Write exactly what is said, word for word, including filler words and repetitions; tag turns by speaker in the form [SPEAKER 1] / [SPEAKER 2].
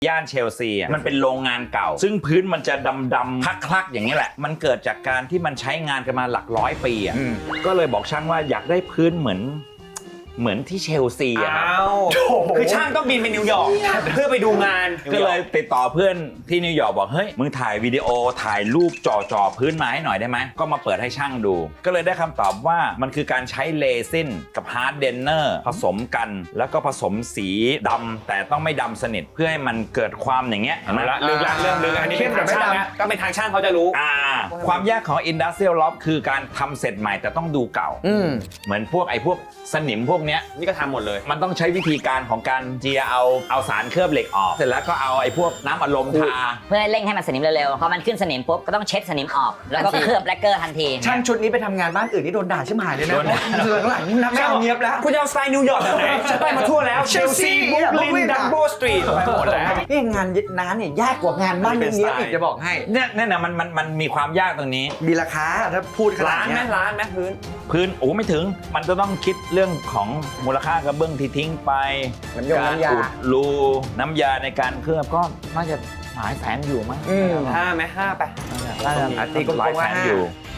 [SPEAKER 1] ย่านเชลซีอ่ะมันเป็นโรงงานเก่าซึ่งพื้นมันจะดำๆคลักๆอย่างนี้แหละมันเกิดจากการที่มันใช้งานกันมาหลักร้อยปีอ่ะก็เลยบอกช่างว่าอยากได้พื้นเหมือนเหมือนที่เชลซีอะครับ
[SPEAKER 2] คือช่างต้องบินไปนิวยอร์กเพื่อไปดูงาน
[SPEAKER 1] ก็เลยติดต่อเพื่อนที่นิวยอร์กบอกเฮ้ยมึงถ่ายวิดีโอถ่ายรูปจ่อๆพื้นมาให้หน่อยได้ไหมก็มาเปิดให้ช่างดู ก็เลยได้คำตอบว่ามันคือการใช้เลซินกับฮาร์ดเดนเนอร์ผสมกันแล้วก็ผสมสีดำแต่ต้องไม่ดำสนิทเพื่อให้มันเกิดความอย่างเงี้ย
[SPEAKER 2] มาละเรื่องละเรื่องเรื่องอันนี้เป็นทางช่างนะก็เป็นทางช่างเขาจะรู้
[SPEAKER 1] อ่าความยากของ Industrial Loft คือการทำเสร็จใหม่แต่ต้องดูเก่าเหมือนพวกไอ้พวกสนิมพวกเนี้ย
[SPEAKER 2] นี่ก็ทำหมดเลย
[SPEAKER 1] มันต้องใช้วิธีการของการเจียเอาเอาสารเคลือบเหล็กออกเสร็จแล้วก็เอาไอ้พวกน้ำอัดลมทา
[SPEAKER 3] เพื่อเร่งให้มันสนิมเร็วๆพอมันขึ้นสนิมปุ๊บก็ต้องเช็ดสนิมออกแล้วก็เคลือบแลกเกอร์ทันที
[SPEAKER 4] ช่างชุดนี้ไปทำงานบ้านอื่นนี่โดนด่าชิบหายเลยนะหลังๆนับไม่เอาเงียบแล้ว
[SPEAKER 2] คุณจะเอาสไตล์นิวยอร์กแบบไหนฉันไปมาทั่วแล้วเชลซีบุคลินดัมโบสตรีทไปหมดแล้ว
[SPEAKER 4] นี่งานยึดน้ำเนี่ยยากกว่างานบ้านเงียบอีกจะบอกให้
[SPEAKER 1] เนี่ยเนี่ยนะมันมันมันมีความยากตรงนี้
[SPEAKER 4] มีราคาถ้าพูดขนาดนี้
[SPEAKER 2] ล้านไหมล้านไหมพื้น
[SPEAKER 1] พื้นโอ้ไม่ถึงมันจะต้องคิดเรื่องของมูลค่ากระเบื้องที่ทิ้งไปการอุดรูน้ำยาในการเคลือบก็น่าจะหลายแสนอยู่มั้ง
[SPEAKER 2] ห้าไหมห้าไป
[SPEAKER 1] น่าจะตีก็หลายแสนอยู่